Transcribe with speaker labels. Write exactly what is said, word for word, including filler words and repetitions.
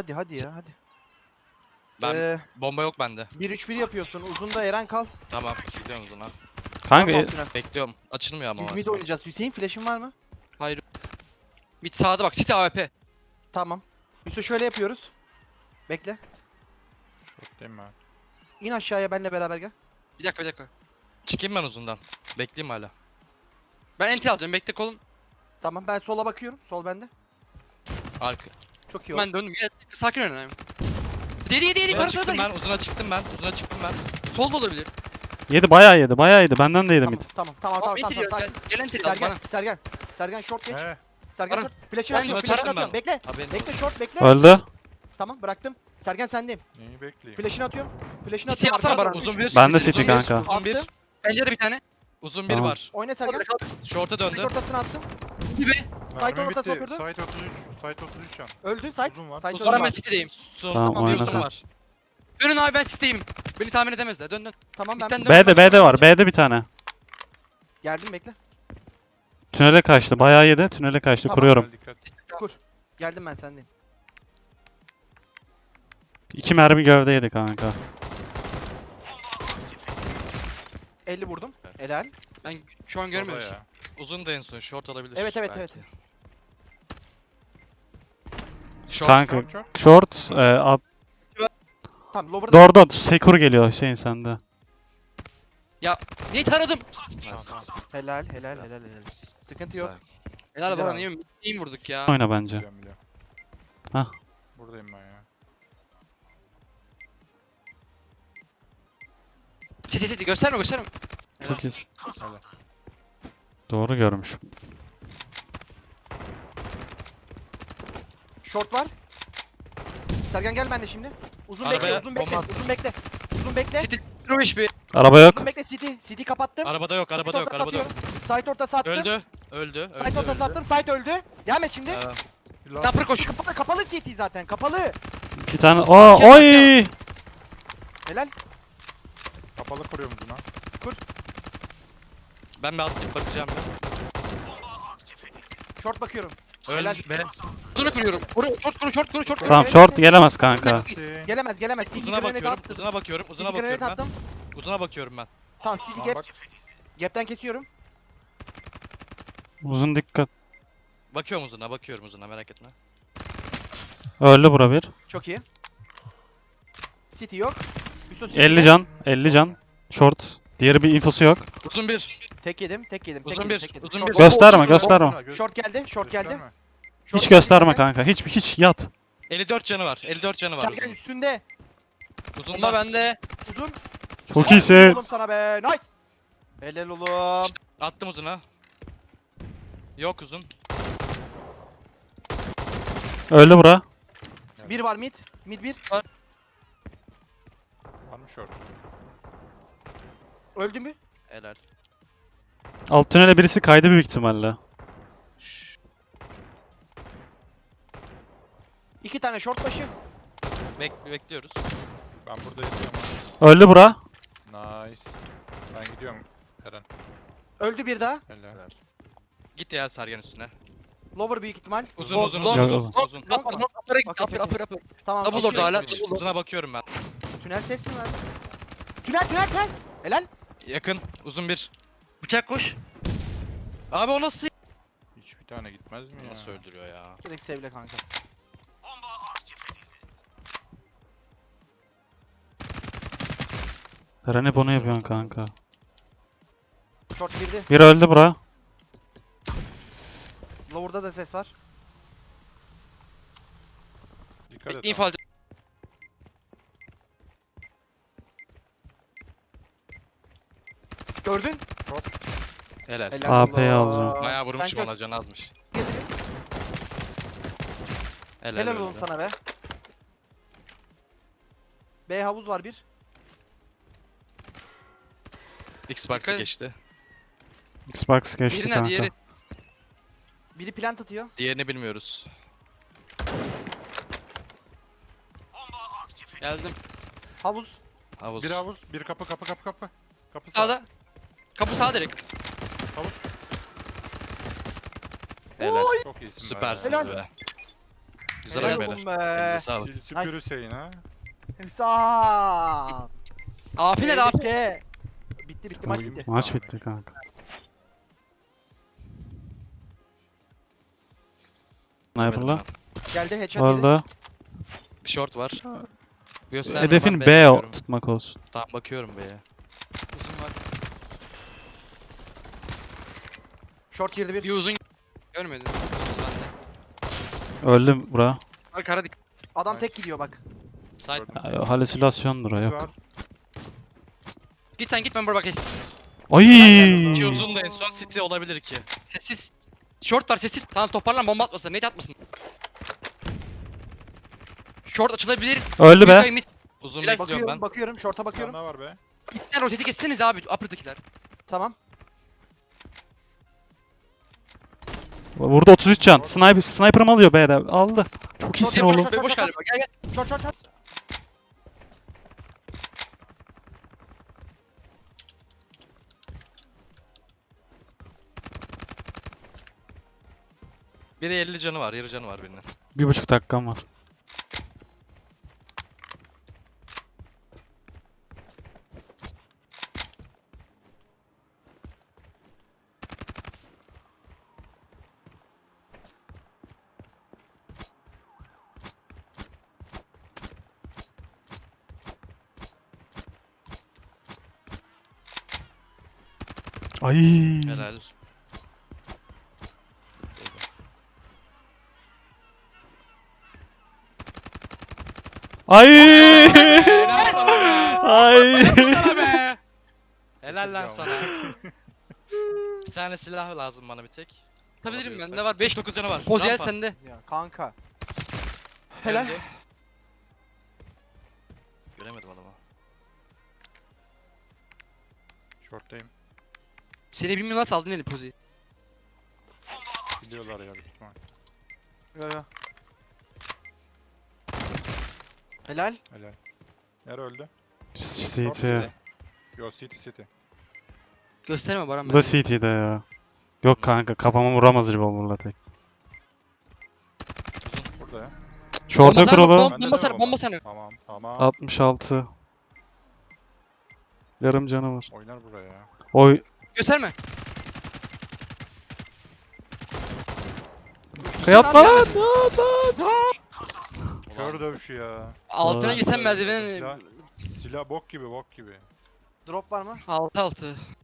Speaker 1: hadi hadi ya hadi.
Speaker 2: Ben
Speaker 1: Ee,
Speaker 2: bomba yok bende.
Speaker 1: bir üç bir yapıyorsun. Uzunda Eren kal.
Speaker 2: Tamam gidiyorum uzuna.
Speaker 3: Kanka
Speaker 1: Tamam,
Speaker 3: e,
Speaker 1: tünel.
Speaker 2: Bekliyorum. Açılmıyor ama.
Speaker 1: Biz
Speaker 2: o
Speaker 1: mid
Speaker 2: açılıyor.
Speaker 1: oynayacağız. Hüseyin flash'in var mı?
Speaker 4: Hayır. Mid sağda bak. City A W P.
Speaker 1: Tamam. Yusuf şöyle yapıyoruz. Bekle.
Speaker 5: Şorttayım ben.
Speaker 1: İn aşağıya benle beraber gel.
Speaker 4: Bir dakika bir dakika.
Speaker 2: Çıkayım ben uzundan. Bekleyeyim hala.
Speaker 4: Ben enti alacağım. Bekle kolum.
Speaker 1: Tamam ben sola bakıyorum. Sol bende.
Speaker 2: Arka.
Speaker 1: Çok iyi oldu.
Speaker 4: Ben döndüm. Gel. Sakin oynayayım. Yedi yedi yedi.
Speaker 2: Uzuna
Speaker 4: Karı
Speaker 2: çıktım
Speaker 4: karı.
Speaker 2: ben. Uzuna çıktım ben. Uzuna çıktım ben.
Speaker 4: Solda olabilir.
Speaker 3: yedi bayağı yedi bayağı yedi. Benden de yedi
Speaker 1: Tamam
Speaker 3: mid.
Speaker 1: tamam tamam tamam
Speaker 4: Tamam
Speaker 1: tamam.
Speaker 4: enti diyor.
Speaker 1: tamam,
Speaker 4: Gel.
Speaker 1: sakin.
Speaker 4: Gel enti al
Speaker 1: Sergen
Speaker 4: bana.
Speaker 1: Sergen. Sergen short geç.
Speaker 5: He.
Speaker 1: Sergen
Speaker 4: Baran.
Speaker 1: short. Flash'ını
Speaker 4: Ben
Speaker 1: atıyorum.
Speaker 2: şuna
Speaker 1: Flash'ını
Speaker 2: çarptım
Speaker 1: atıyorum.
Speaker 2: ben.
Speaker 1: Bekle.
Speaker 2: Haberin
Speaker 1: Bekle
Speaker 2: olsun.
Speaker 1: short bekle.
Speaker 3: Öldü.
Speaker 1: Tamam bıraktım. Sergen sendeyim.
Speaker 5: Neyi bekleyeyim?
Speaker 1: Flash'ını atıyorum. Flash'ını
Speaker 4: City
Speaker 1: atıyorum.
Speaker 4: atsana
Speaker 1: arkadan
Speaker 4: Baran.
Speaker 1: dön.
Speaker 2: Uzun bir.
Speaker 3: Ben de
Speaker 2: uzun
Speaker 3: City
Speaker 2: bir,
Speaker 3: kanka.
Speaker 2: Uzun bir.
Speaker 1: Attım.
Speaker 4: Pencere bir tane.
Speaker 2: Uzun bir
Speaker 3: Tamam.
Speaker 2: var.
Speaker 1: Oyna Sergen.
Speaker 2: Short'a
Speaker 1: Site
Speaker 2: döndü.
Speaker 1: ortasına attım.
Speaker 4: Gibi.
Speaker 1: Site
Speaker 5: Mermi
Speaker 1: ortasına
Speaker 5: bitti.
Speaker 1: oturdu.
Speaker 5: Site otuz üç. Site otuz üç can.
Speaker 1: Öldü site.
Speaker 5: Uzun var.
Speaker 1: Site
Speaker 2: Uzun
Speaker 1: öldü.
Speaker 4: Baran ben City'deyim.
Speaker 2: Son.
Speaker 3: Tamam,
Speaker 2: Tamam,
Speaker 3: oyna
Speaker 2: uzun
Speaker 3: sen.
Speaker 2: var.
Speaker 4: Dönün abi ben City'deyim. Beni tahmin edemezler. Dön dön.
Speaker 1: Tamam ben
Speaker 4: Bitten dön.
Speaker 3: B'de B'de var. B'de bir tane.
Speaker 1: geldim bekle.
Speaker 3: Tünele kaçtı. Bayağı yedi. Tünele kaçtı.
Speaker 1: Tamam.
Speaker 3: Kuruyorum.
Speaker 5: Gel dikkat.
Speaker 1: Kur. Geldim ben sendeyim.
Speaker 3: İki mermi gövde yedi kanka.
Speaker 1: elli vurdum. Helal.
Speaker 4: Ben şu an
Speaker 5: Baba
Speaker 4: görmüyorum.
Speaker 5: ya.
Speaker 2: Uzun da en son. Short olabilir.
Speaker 1: Evet evet
Speaker 2: belki.
Speaker 1: evet.
Speaker 2: Short.
Speaker 3: Kanka.
Speaker 5: Short, short.
Speaker 3: Short. E, at,
Speaker 1: Tamam lower'da.
Speaker 3: Dorda Sekur geliyor Hüseyin sende.
Speaker 4: Niye taradım?
Speaker 2: Nice.
Speaker 1: Helal helal helal helal. Sıkıntı yok.
Speaker 2: Güzel.
Speaker 4: Helal
Speaker 1: Güzel
Speaker 4: Baran
Speaker 1: abi.
Speaker 4: iyi mi? İyi mi vurduk ya?
Speaker 3: Oyna bence.
Speaker 5: Biliyorum biliyorum.
Speaker 3: Hah.
Speaker 5: Buradayım ben ya.
Speaker 4: City City gösterme gösterme.
Speaker 3: Çok iyisin.
Speaker 5: Helal.
Speaker 3: Doğru görmüş.
Speaker 1: Short var. Sergen gel benimle şimdi. Uzun
Speaker 2: Arabaya
Speaker 1: bekle uzun bekle
Speaker 2: bomba
Speaker 1: uzun bekle. Uzun bekle.
Speaker 4: City zero beş bir.
Speaker 3: Araba yok.
Speaker 1: Uzun bekle City. City kapattım.
Speaker 2: Arabada yok. Arabada yok.
Speaker 1: Site ortası
Speaker 2: Arabada yok.
Speaker 1: atıyorum. Site ortası attım.
Speaker 2: Öldü. Öldü.
Speaker 1: Site
Speaker 2: Öldü.
Speaker 1: ortası
Speaker 2: öldü.
Speaker 1: attım. Site öldü. Devam et şimdi.
Speaker 2: Ee,
Speaker 5: Bir last-
Speaker 4: Sniper koş.
Speaker 1: Kapalı kapalı City zaten. Kapalı.
Speaker 3: İki tane. Oo, oy!
Speaker 1: Helal.
Speaker 5: Kapalı kuruyorum buna.
Speaker 2: Ben bir atlayıp bakacağım.
Speaker 1: Short bakıyorum.
Speaker 2: Öldü.
Speaker 1: Helal.
Speaker 2: Be.
Speaker 4: Uzunu kuruyorum. Kuru short kuru short kuru short kuru.
Speaker 3: Tamam short gelemez kanka.
Speaker 5: Hüseyin.
Speaker 1: Gelemez gelemez. City
Speaker 2: Uzuna
Speaker 1: grenade
Speaker 2: bakıyorum.
Speaker 1: attım.
Speaker 2: Uzuna bakıyorum.
Speaker 1: City
Speaker 2: Uzuna
Speaker 1: grenade
Speaker 2: bakıyorum ben.
Speaker 1: attım.
Speaker 2: Uzuna bakıyorum ben.
Speaker 1: Tamam City
Speaker 5: Tamam,
Speaker 1: gap.
Speaker 5: bak.
Speaker 1: Gap'ten kesiyorum.
Speaker 3: Uzun dikkat.
Speaker 2: Bakıyorum uzuna. Bakıyorum uzuna. Merak etme.
Speaker 3: Öldü bura bir.
Speaker 1: Çok iyi. City yok. Yusuf City
Speaker 3: elli
Speaker 1: yok.
Speaker 3: can. elli can. Short. Diğeri bir infosu yok.
Speaker 2: Uzun bir.
Speaker 1: Tek yedim, tek yedim. tek
Speaker 2: Uzun
Speaker 1: yedim,
Speaker 2: bir,
Speaker 1: tek yedim.
Speaker 2: uzun
Speaker 1: Short-
Speaker 2: bir.
Speaker 3: Gösterme
Speaker 4: Bomba-
Speaker 3: gösterme.
Speaker 5: Bomba- gö-
Speaker 1: Short geldi, short geldi.
Speaker 5: gösterme.
Speaker 1: Short
Speaker 3: Hiç
Speaker 1: geldi
Speaker 3: gösterme
Speaker 1: Sergen.
Speaker 3: kanka. Hiç hiç yat.
Speaker 2: elli dört canı var. elli dört canı var
Speaker 1: Sergen
Speaker 2: uzun.
Speaker 1: üstünde.
Speaker 2: Uzun
Speaker 4: Bomba
Speaker 2: da.
Speaker 4: bende.
Speaker 1: Uzun.
Speaker 3: Çok
Speaker 1: Helal
Speaker 3: iyisin.
Speaker 1: oğlum sana be. Nice. Helal oğlum.
Speaker 2: Attım uzuna. Yok uzun.
Speaker 3: Öldü bura.
Speaker 1: Bir var mid. Mid bir.
Speaker 5: Var mı short?
Speaker 1: Öldü mü?
Speaker 2: Helal.
Speaker 3: Alt tünele birisi kaydı büyük ihtimalle.
Speaker 1: İki tane short başı.
Speaker 2: Bek bekliyoruz.
Speaker 5: Ben burada yatıyorum.
Speaker 3: Öldü bura.
Speaker 5: Nice. Ben gidiyorum Eren.
Speaker 1: Öldü bir daha.
Speaker 5: Helal.
Speaker 2: Helal. Git ya Sergen üstüne.
Speaker 1: Lower büyük ihtimal.
Speaker 2: Uzun
Speaker 4: Long,
Speaker 2: uzun
Speaker 4: long,
Speaker 2: uzun.
Speaker 3: long.
Speaker 2: uzun, uzun.
Speaker 4: Upper upper upper'a git.
Speaker 1: Okey,
Speaker 4: Upper
Speaker 1: okey.
Speaker 4: upper upper.
Speaker 1: Tamam.
Speaker 4: Double
Speaker 1: okey.
Speaker 4: orada hala. double orada.
Speaker 2: Uzuna bakıyorum ben.
Speaker 1: Tünel ses mi var? Tünel tünel tünel. Helal.
Speaker 2: Yakın. Uzun bir. Bıçak koş. Abi o nasıl?
Speaker 5: Hiçbir tane gitmez mi ya?
Speaker 2: Nasıl öldürüyor ya?
Speaker 1: Direkt sevle kanka.
Speaker 3: Eren hep onu yapıyorsun kanka.
Speaker 1: Short girdi.
Speaker 3: Bir öldü bura.
Speaker 1: Lower'da da ses var.
Speaker 5: Dikkat et.
Speaker 4: Bekleyin
Speaker 5: ama.
Speaker 4: falcı.
Speaker 1: Gördün?
Speaker 2: Helal.
Speaker 1: Helal
Speaker 3: A P'yi
Speaker 1: oğlum.
Speaker 3: alacağım.
Speaker 2: Bayağı vurmuşum
Speaker 1: Sen
Speaker 2: ona can azmış.
Speaker 1: gör-
Speaker 2: Helal,
Speaker 1: Helal
Speaker 2: öldü.
Speaker 1: oğlum sana be. B havuz var bir.
Speaker 2: Xbox'ı
Speaker 4: Dikkat-
Speaker 2: geçti.
Speaker 3: Xbox geçti
Speaker 4: Diğeri nerede?
Speaker 3: kanka.
Speaker 4: Diğeri.
Speaker 1: Biri plant atıyor.
Speaker 2: Diğerini bilmiyoruz.
Speaker 4: Geldim.
Speaker 1: Havuz.
Speaker 2: Havuz.
Speaker 5: Bir havuz, bir kapı, kapı, kapı, kapı. Kapı sağ.
Speaker 4: Sağda. Kapı sağ direkt.
Speaker 2: Helal.
Speaker 5: Çok iyisin. be.
Speaker 2: Süpersiniz
Speaker 1: Helal.
Speaker 2: be. Güzel
Speaker 1: Helal
Speaker 2: oyun
Speaker 1: olsun
Speaker 2: beyler.
Speaker 1: be.
Speaker 2: Elinize sağlık.
Speaker 5: Sil süpür Hüseyin ha.
Speaker 1: Hüsam.
Speaker 4: A P ne A P?
Speaker 1: Tehlike. Bitti bitti maç
Speaker 5: Oyun
Speaker 1: bitti.
Speaker 3: Maç bitti kanka. Sniper'la.
Speaker 1: Geldi headshot yedi.
Speaker 3: Orada.
Speaker 2: Bir short var. Gösterme,
Speaker 3: Hedefin
Speaker 2: ben
Speaker 3: B
Speaker 2: B'ye
Speaker 3: o-
Speaker 2: bakıyorum.
Speaker 3: tutmak olsun.
Speaker 2: Tamam bakıyorum B'ye.
Speaker 4: Uzun var.
Speaker 1: Short girdi bir.
Speaker 4: Bir uzun görmedim. Uzun bende.
Speaker 3: Öldüm bura.
Speaker 4: Var kara dik.
Speaker 1: Adam tek gidiyor bak.
Speaker 2: Side
Speaker 3: Ya, yo, halüsinasyondur o
Speaker 5: Var.
Speaker 3: yok.
Speaker 4: Git sen git ben buraya bakayım.
Speaker 3: Ay.
Speaker 2: İki uzun da en son City olabilir ki.
Speaker 4: Sessiz. Short var sessiz. Tamam toparlan bomba atmasın. Nate atmasın. Short açılabilir.
Speaker 3: Öldü be.
Speaker 4: Mid- mid-
Speaker 2: Uzun
Speaker 4: Bilal,
Speaker 2: bekliyorum
Speaker 1: Bakıyorum
Speaker 2: ben.
Speaker 1: bakıyorum short'a
Speaker 5: Bir tane
Speaker 1: bakıyorum.
Speaker 5: daha var be.
Speaker 4: Midden roteti kesseniz abi upper'dakiler.
Speaker 1: Tamam.
Speaker 3: Vurdu otuz üç can. Sniper, sniper'ım alıyor B'de. Aldı. Çok iyisin
Speaker 1: Short,
Speaker 3: oğlum.
Speaker 1: short, short,
Speaker 4: Boş
Speaker 1: short,
Speaker 4: galiba gel gel.
Speaker 1: Short short short.
Speaker 2: Biri elli canı var, yarı canı var birinin.
Speaker 3: Bir buçuk dakikam var. Ay.
Speaker 2: Helal.
Speaker 3: Ay.
Speaker 2: Helal sana be.
Speaker 3: Ay.
Speaker 2: Sana be. Helal lan sana. Bir tane silah lazım bana bir tek.
Speaker 4: Atabilirim ben.
Speaker 2: Alabiliyorsak.
Speaker 4: Ne var? beş
Speaker 2: dokuz canı var.
Speaker 4: Poziyer
Speaker 2: Rampa.
Speaker 4: sende.
Speaker 1: Ya kanka. Helal.
Speaker 2: Öldü. Göremedim adamı.
Speaker 5: Short'tayım.
Speaker 4: Seni bilmiyorum nasıl aldın eli pozi.
Speaker 5: Biliyorlar ya büyük ihtimal.
Speaker 1: Yo yo. Helal.
Speaker 5: Helal. Nere öldü?
Speaker 3: C T.
Speaker 5: Yo City City.
Speaker 4: Gösterme Baran
Speaker 3: Bu da C T'de ya. Yok kanka kafama vuramaz revolver'la tek.
Speaker 5: Burada ya.
Speaker 3: Short'a
Speaker 4: Bomba
Speaker 3: kurulu.
Speaker 4: sana,
Speaker 5: Bende
Speaker 4: bomba
Speaker 5: de
Speaker 4: sana,
Speaker 5: bomba.
Speaker 4: bomba sana.
Speaker 5: Tamam tamam.
Speaker 3: altmış altı. Yarım canı var.
Speaker 5: Oynar buraya ya.
Speaker 3: Oy.
Speaker 4: Gösterme.
Speaker 3: Kıyap
Speaker 4: Tamam,
Speaker 3: lan.
Speaker 5: Kör dövüşü ya.
Speaker 4: Altına
Speaker 3: Aa.
Speaker 4: girsen merdivenin
Speaker 5: Silah, silah bok gibi bok gibi.
Speaker 1: Drop var mı?
Speaker 4: altı altı.